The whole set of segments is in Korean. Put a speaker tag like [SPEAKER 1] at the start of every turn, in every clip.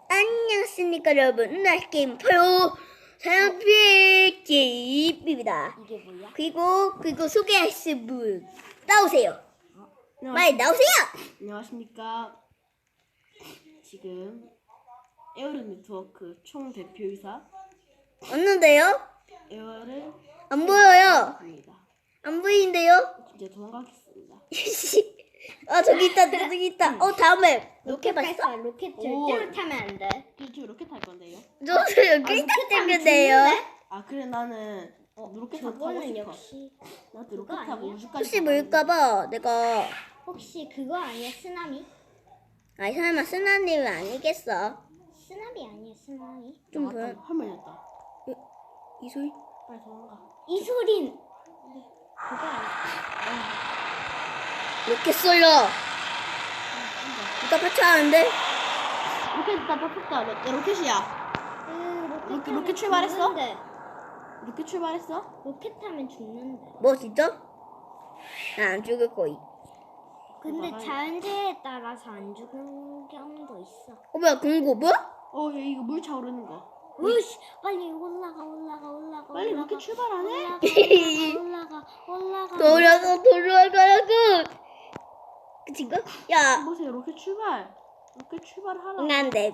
[SPEAKER 1] 안녕하십니까 여러분. 오늘 게임 바로 사연피의 게임입니다.
[SPEAKER 2] 이게 뭐야?
[SPEAKER 1] 그리고 소개하실 분 나오세요. 빨리 나오세요.
[SPEAKER 3] 안녕하십니까. 지금 에어른 네트워크 총 대표이사
[SPEAKER 1] 없는데요?
[SPEAKER 3] 에어를
[SPEAKER 1] 안 보여요.
[SPEAKER 3] 입니다.
[SPEAKER 1] 안 보이는데요?
[SPEAKER 3] 이제 도망가겠습니다.
[SPEAKER 1] 아 저기 있다. 다음에 로켓
[SPEAKER 2] 로켓
[SPEAKER 1] 봤어?
[SPEAKER 2] 로켓
[SPEAKER 3] 오.
[SPEAKER 2] 절대로 타면 안 돼.
[SPEAKER 3] 저 로켓 탈 건데요.
[SPEAKER 1] 저도 여기 있다 생겼네요.
[SPEAKER 3] 아 그래 나는 로켓 타고
[SPEAKER 2] 저거는
[SPEAKER 3] 싶어.
[SPEAKER 2] 역시
[SPEAKER 3] 나한테 로켓
[SPEAKER 2] 그거
[SPEAKER 3] 타고
[SPEAKER 2] 아니야?
[SPEAKER 3] 우주까지.
[SPEAKER 1] 혹시 뭘까봐 내가
[SPEAKER 2] 혹시 그거 아니야? 쓰나미?
[SPEAKER 1] 아이 설마 쓰나님은 아니겠어.
[SPEAKER 2] 쓰나미 아니야? 쓰나미?
[SPEAKER 1] 좀 보여.
[SPEAKER 3] 할머니였다.
[SPEAKER 1] 이 소리?
[SPEAKER 3] 빨리 도망가.
[SPEAKER 2] 이 소린 그거 아니야?
[SPEAKER 1] 로켓 쏠려. 누가 파차하는데?
[SPEAKER 3] 로켓 다 뽑혔다. 야, 로켓이야. 로켓 출발했어?
[SPEAKER 2] 죽는데.
[SPEAKER 3] 로켓 출발했어?
[SPEAKER 2] 로켓 타면 죽는데.
[SPEAKER 1] 뭐 진짜? 나 안 죽을 거이.
[SPEAKER 2] 근데
[SPEAKER 3] 봐봐요.
[SPEAKER 2] 자연재해에 따라서 안 죽는 경우도 있어.
[SPEAKER 1] 뭐야 공고 뭐야?
[SPEAKER 3] 야, 이거 물 차오르는 거.
[SPEAKER 2] 으씨, 빨리 올라가.
[SPEAKER 3] 빨리 로켓 출발 안 해?
[SPEAKER 2] 올라가.
[SPEAKER 1] 돌아가라고. 그친가? 야,
[SPEAKER 3] 보세요, 로켓 출발. 로켓 출발하라.
[SPEAKER 1] 응안돼.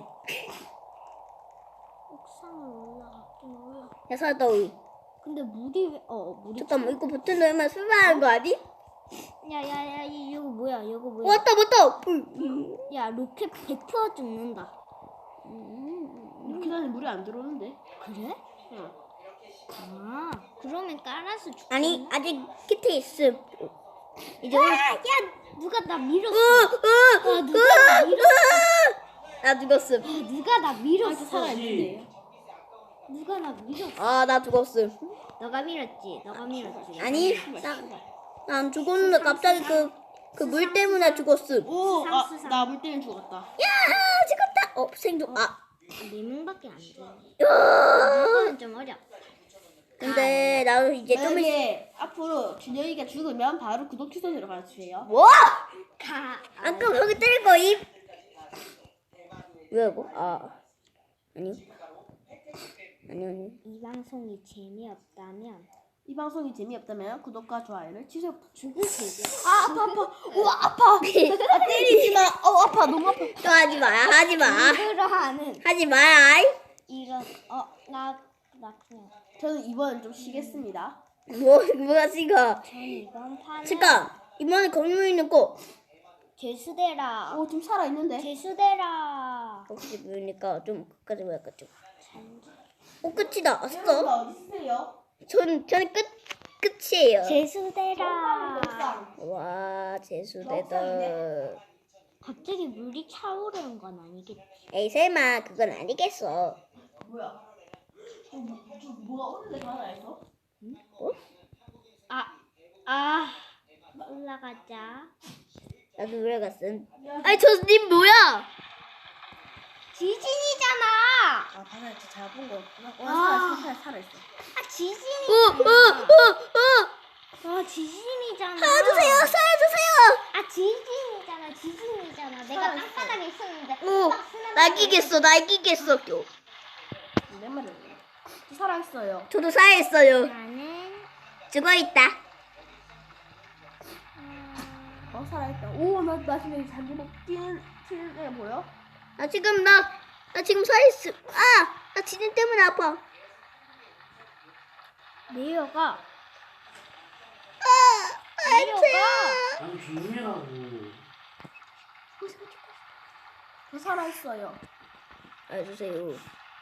[SPEAKER 2] 옥상을 올라가긴 올라.
[SPEAKER 1] 야 사다위.
[SPEAKER 2] 근데 물이 물이.
[SPEAKER 1] 잠깐만 이거 버튼 누르면 출발하는 거 아니?
[SPEAKER 2] 야야야, 이거 뭐야?
[SPEAKER 1] 왔다.
[SPEAKER 2] 야, 로켓 100% 죽는다.
[SPEAKER 3] 로켓 안에 물이 안 들어오는데.
[SPEAKER 2] 그래?
[SPEAKER 3] 응.
[SPEAKER 2] 아, 그러면 깔아서 죽.
[SPEAKER 1] 아니 아직 키트 있음. 이제
[SPEAKER 2] 야, 누가 나 밀었어? 누가 나 밀었어?
[SPEAKER 1] 나 죽었음.
[SPEAKER 2] 누가 나 밀었어?
[SPEAKER 3] 살아있는데.
[SPEAKER 2] 누가 나 밀었어?
[SPEAKER 1] 아 나 죽었음.
[SPEAKER 2] 너가 밀었지.
[SPEAKER 1] 아니 난 죽었는데 갑자기 그 물 때문에 죽었음.
[SPEAKER 3] 오,
[SPEAKER 2] 수상.
[SPEAKER 3] 나 물 때문에 죽었다.
[SPEAKER 1] 야 죽었다. 생존. 아.
[SPEAKER 2] 4명밖에 안 돼.
[SPEAKER 1] 야.
[SPEAKER 2] 이거는 좀 어려.
[SPEAKER 1] 근데 나도 이제 좀 있.
[SPEAKER 3] 만약에 앞으로 준영이가 죽으면 바로 구독 취소 들어가 주세요.
[SPEAKER 1] 뭐?
[SPEAKER 2] 가.
[SPEAKER 1] 아까 거기 때릴 거임. 왜 뭐? 아니.
[SPEAKER 2] 이 방송이 재미없다면
[SPEAKER 3] 이 방송이 재미없다면 구독과 좋아요를 취소.
[SPEAKER 2] 죽을 테지.
[SPEAKER 3] 아파. 우와 아파. 때리지 마. 아파 너무 아파.
[SPEAKER 1] 또 하지 마.
[SPEAKER 2] 일부러 하는
[SPEAKER 1] 하지 마.
[SPEAKER 2] 이런 나 그냥
[SPEAKER 3] 저는 이번엔 좀 쉬겠습니다.
[SPEAKER 1] 뭐야 지금?
[SPEAKER 2] 전 이번 판은
[SPEAKER 1] 잠깐. 이번에 건물 있는 거.
[SPEAKER 2] 죄수대라.
[SPEAKER 3] 오, 좀 살아 있는데.
[SPEAKER 2] 죄수대라.
[SPEAKER 1] 혹시 보니까 좀 끝까지 볼까 좀. 끝이다. 왔어?
[SPEAKER 3] 어디 있어요?
[SPEAKER 1] 저는 끝이에요.
[SPEAKER 2] 죄수대라.
[SPEAKER 1] 와 재수대다.
[SPEAKER 2] 갑자기 물이 차오르는 건 아니겠지.
[SPEAKER 1] 에이 설마 그건 아니겠어.
[SPEAKER 3] 뭐야? 뭐가 오는데 하나에서?
[SPEAKER 2] 올라가자.
[SPEAKER 1] 나도 올라갔음. 아니 저님 뭐야?
[SPEAKER 2] 지진이잖아.
[SPEAKER 3] 바다에 잘본 거 없구나. 살아있어.
[SPEAKER 2] 지진이잖아. 지진이잖아.
[SPEAKER 1] 살려주세요.
[SPEAKER 2] 지진이잖아. 내가 땅바닥에 있었는데.
[SPEAKER 1] 날기겠어.
[SPEAKER 3] 내 말은 살아있어요.
[SPEAKER 1] 저도 살아있어요.
[SPEAKER 2] 나는
[SPEAKER 1] 죽어있다.
[SPEAKER 3] 살아있다. 오, 나 지금 잔디목 뛰는 애 보여?
[SPEAKER 1] 나 지금 살아있어. 나 지진 때문에 아파.
[SPEAKER 2] 내려가.
[SPEAKER 4] 아니 조용히라고.
[SPEAKER 3] 저 살아있어요.
[SPEAKER 1] 알려주세요.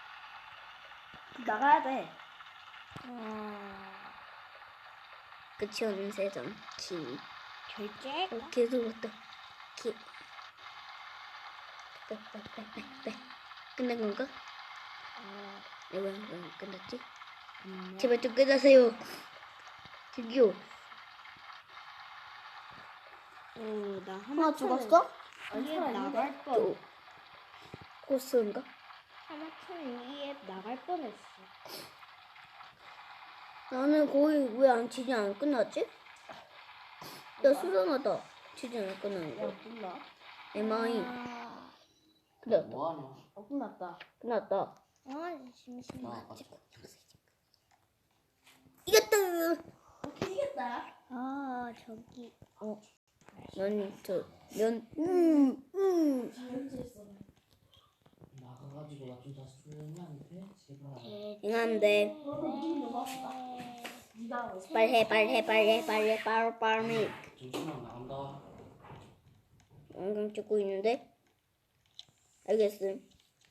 [SPEAKER 3] 나가야 돼.
[SPEAKER 1] 끝이 없는 세상.
[SPEAKER 2] 결제.
[SPEAKER 1] 계속 왔다. 끝난 건가? 왜 끝났지? 제발 좀 끝나세요. 저기요.
[SPEAKER 2] 나
[SPEAKER 3] 하나 죽었어?
[SPEAKER 2] 이에
[SPEAKER 3] 살아있는데?
[SPEAKER 2] 나갈 뻔.
[SPEAKER 1] 코스인가?
[SPEAKER 2] 하마터면 이에 나갈 뻔했어.
[SPEAKER 1] 나는 거의 왜 지진 안 끝났지? 나 수상하다. 지진 안 끝나는 거.
[SPEAKER 3] 몰라.
[SPEAKER 1] MI. 끝났다.
[SPEAKER 4] 뭐하냐?
[SPEAKER 3] 끝났다.
[SPEAKER 1] 끝났다.
[SPEAKER 2] 아 심심해.
[SPEAKER 4] 나 아까
[SPEAKER 1] 이겼다.
[SPEAKER 3] 오케이 이겼다.
[SPEAKER 2] 아 저기
[SPEAKER 4] 나가가지고 나 좀 다시 조용히 안 돼? 제발.
[SPEAKER 1] 응한데.
[SPEAKER 3] 네가
[SPEAKER 1] 빨리.
[SPEAKER 4] 잠시만 나간다.
[SPEAKER 1] 영상 찍고 있는데. 알겠음.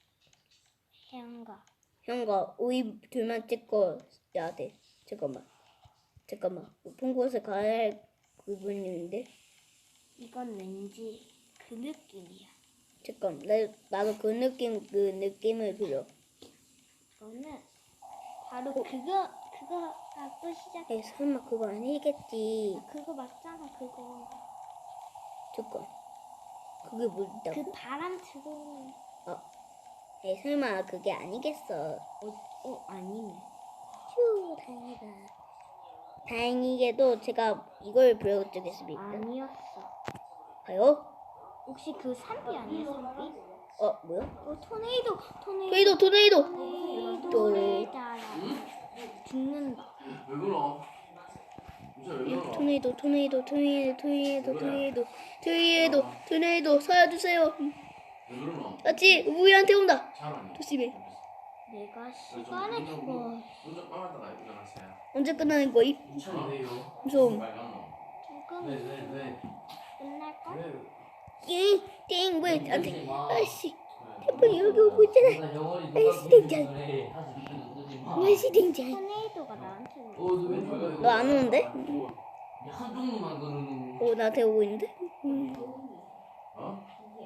[SPEAKER 2] 해안가.
[SPEAKER 1] 형과 우리 둘만 찍고 해야 돼. 잠깐만. 높은 곳에 가야 할 부분인데.
[SPEAKER 2] 이건 왠지 그 느낌이야.
[SPEAKER 1] 잠깐. 나도 그 느낌을 빌려.
[SPEAKER 2] 이거는 바로 그거가 또 시작.
[SPEAKER 1] 에이, 설마 그거 아니겠지.
[SPEAKER 2] 그거 맞잖아 그거.
[SPEAKER 1] 잠깐. 그게 뭐다?
[SPEAKER 2] 그 바람 들어오는.
[SPEAKER 1] 에이, 설마 그게 아니겠어.
[SPEAKER 2] 아니네.
[SPEAKER 1] 휴, 다행이다. 다행이게도 제가 이걸 보여드리겠습니다.
[SPEAKER 2] 아니었어.
[SPEAKER 1] 봐요?
[SPEAKER 2] 혹시 그 산비 아니야 산비?
[SPEAKER 1] 뭐야?
[SPEAKER 2] 토네이도.
[SPEAKER 1] 토네이도.
[SPEAKER 2] 토네이도를 따라 죽는다.
[SPEAKER 4] 왜 그러? 진짜 왜 그러?
[SPEAKER 1] 토네이도 서야주세요.
[SPEAKER 4] 왜 그러노?
[SPEAKER 1] 같이 우리한테 온다.
[SPEAKER 4] 잘하네.
[SPEAKER 1] 조심해.
[SPEAKER 2] 내가 시간을
[SPEAKER 4] 운전 빨았다가 일어나세요.
[SPEAKER 1] 언제 끝나는 거임?
[SPEAKER 4] 괜찮은데요?
[SPEAKER 1] 무서움.
[SPEAKER 2] 조금
[SPEAKER 4] 왜?
[SPEAKER 2] 끝날걸?
[SPEAKER 1] 띵, 왜 안 돼? 아씨, 태풍이 여기 오고 있잖아. 아이씨, 등장.
[SPEAKER 2] 토네이도가 나한테 오는.
[SPEAKER 1] 너 안 오는데?
[SPEAKER 4] 한 종류만 그러는.
[SPEAKER 1] 나한테 오고 있는데?
[SPEAKER 4] 어?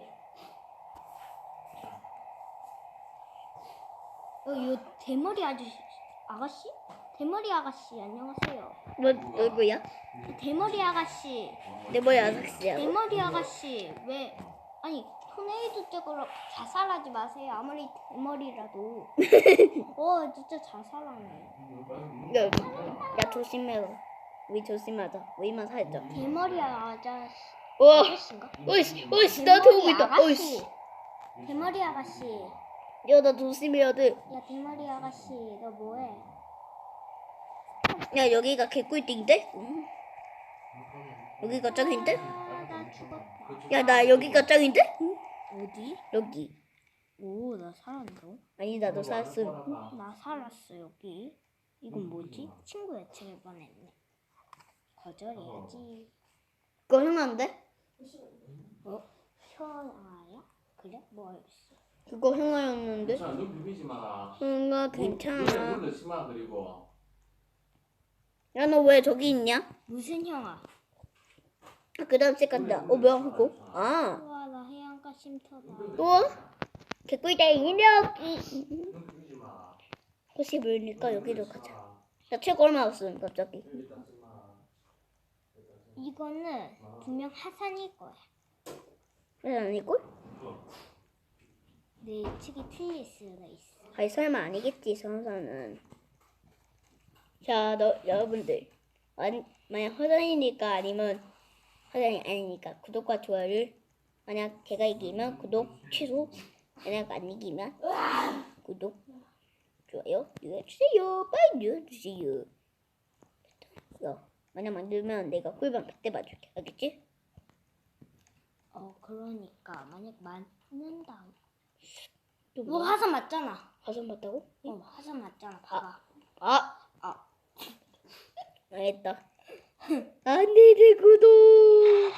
[SPEAKER 2] 요 대머리 아가씨? 대머리 아가씨 안녕하세요.
[SPEAKER 1] 누구야?
[SPEAKER 2] 대머리 아가씨.
[SPEAKER 1] 내 머리 아삭씨야.
[SPEAKER 2] 대머리 아가씨 왜 아니 토네이도 쪽으로 자살하지 마세요. 아무리 대머리라도. 진짜 자살하네.
[SPEAKER 1] 야, 조심해라. 우리 조심하자. 우리만 살자.
[SPEAKER 2] 대머리 아저씨.
[SPEAKER 1] 와,
[SPEAKER 2] 아저씨인가?
[SPEAKER 1] 어이씨, 나한테 오고 있다.
[SPEAKER 2] 아가씨.
[SPEAKER 1] 어이씨.
[SPEAKER 2] 대머리 아가씨.
[SPEAKER 1] 야, 나 조심해야 돼.
[SPEAKER 2] 야 대머리 아가씨 너 뭐해?
[SPEAKER 1] 야, 여기가 개꿀띵인데? 여기가 짱인데?
[SPEAKER 2] 나 죽었다.
[SPEAKER 1] 야, 나 여기가 짱인데?
[SPEAKER 2] 어디?
[SPEAKER 1] 여기.
[SPEAKER 2] 오 나 살았어.
[SPEAKER 1] 아니, 나도 살았음.
[SPEAKER 2] 나 살았어 여기. 이건 뭐지? 친구 애칭을 뻔했네. 거절해야지.
[SPEAKER 1] 그거 형아인데?
[SPEAKER 2] 현아야? 그래? 뭐였어?
[SPEAKER 1] 그거 형아였는데?
[SPEAKER 4] 자, 눈 비비지 마라.
[SPEAKER 1] 형아, 괜찮아.
[SPEAKER 4] 눈을 심하 그리고.
[SPEAKER 1] 야, 너 왜 저기 있냐?
[SPEAKER 2] 무슨 형아?
[SPEAKER 1] 그 다음 책 간다. 뭐야, 그거?
[SPEAKER 2] 우와 나 해안가 쉼터다.
[SPEAKER 1] 또? 개꿀땡 여기.
[SPEAKER 4] 눈 비비지 마.
[SPEAKER 1] 혹시 모르니까 여기로 가자. 나 책 얼마 없음, 갑자기.
[SPEAKER 2] 이거는 분명 하산일 거야.
[SPEAKER 1] 왜 아니고?
[SPEAKER 2] 내 예측이 틀릴 수가 있어.
[SPEAKER 1] 아니, 설마 아니겠지, 성사는. 자, 여러분들. 만약 허전이니까 아니면 허전이 아니니까 구독과 좋아요를, 만약 걔가 이기면 구독 취소, 만약 안 이기면 구독, 좋아요 눌러주세요. 빨리 눌러주세요. 만약 만들면 내가 꿀밤 100대 맞을게. 알겠지?
[SPEAKER 2] 그러니까 만약 맞는다.
[SPEAKER 1] 또
[SPEAKER 2] 뭐
[SPEAKER 1] 뭐야?
[SPEAKER 2] 화산 맞잖아.
[SPEAKER 1] 화성 봤다고?
[SPEAKER 2] 화산 맞잖아. 봐봐.
[SPEAKER 1] 알겠다. 안돼, 내 구독.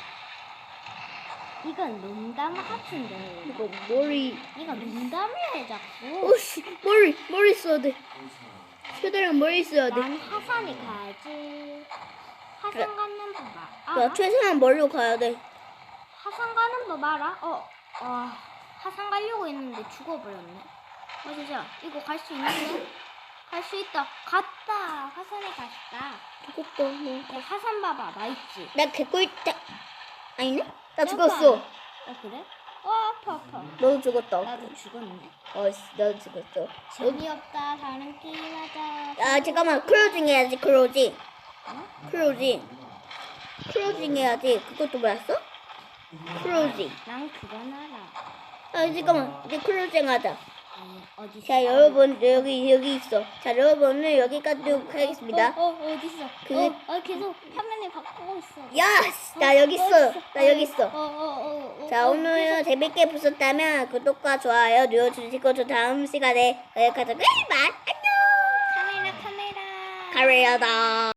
[SPEAKER 2] 이건 농담 같은데.
[SPEAKER 1] 이거 머리.
[SPEAKER 2] 이거 농담이야 자꾸.
[SPEAKER 1] 오씨, 머리 써야 돼. 최대한 머리 써야 돼.
[SPEAKER 2] 난 화산에 가야지. 화산 가는 법
[SPEAKER 1] 야,
[SPEAKER 2] 알아?
[SPEAKER 1] 최대한 머리로 가야 돼.
[SPEAKER 2] 화산 가는 법 알아? 화산 가려고 했는데 죽어버렸네. 진짜 이거 갈 수 있는데? 갈 수 있다. 갔다. 화산에 갔다.
[SPEAKER 1] 죽었다. 너.
[SPEAKER 2] 야, 화산 봐봐. 나 있지.
[SPEAKER 1] 나 개꿀 아니네? 나 죽었어.
[SPEAKER 2] 그래? 아파.
[SPEAKER 1] 너도 죽었다.
[SPEAKER 2] 나도 죽었네.
[SPEAKER 1] 나도 죽었어.
[SPEAKER 2] 재미없다. 다른 게임 하자.
[SPEAKER 1] 아, 잠깐만. 클로징 해야지. 클로징 해야지. 그것도 몰랐어? 클로징.
[SPEAKER 2] 난 그건 알아.
[SPEAKER 1] 아 잠깐만 이제 클로징 하자.
[SPEAKER 2] 어디 있어?
[SPEAKER 1] 자 여러분 여기 있어. 자 여러분 오늘 여기까지 하겠습니다.
[SPEAKER 2] 어디 있어?
[SPEAKER 1] 그-
[SPEAKER 2] 계속 화면을 바꾸고 있어.
[SPEAKER 1] 야! 나 여기 있어. 나 여기 있어. 자
[SPEAKER 2] 어,
[SPEAKER 1] 오늘 재밌게 보셨다면 구독과 좋아요 눌러주시고 저 다음 시간에 여기까지 안녕.
[SPEAKER 2] 카메라.
[SPEAKER 1] 카레야다.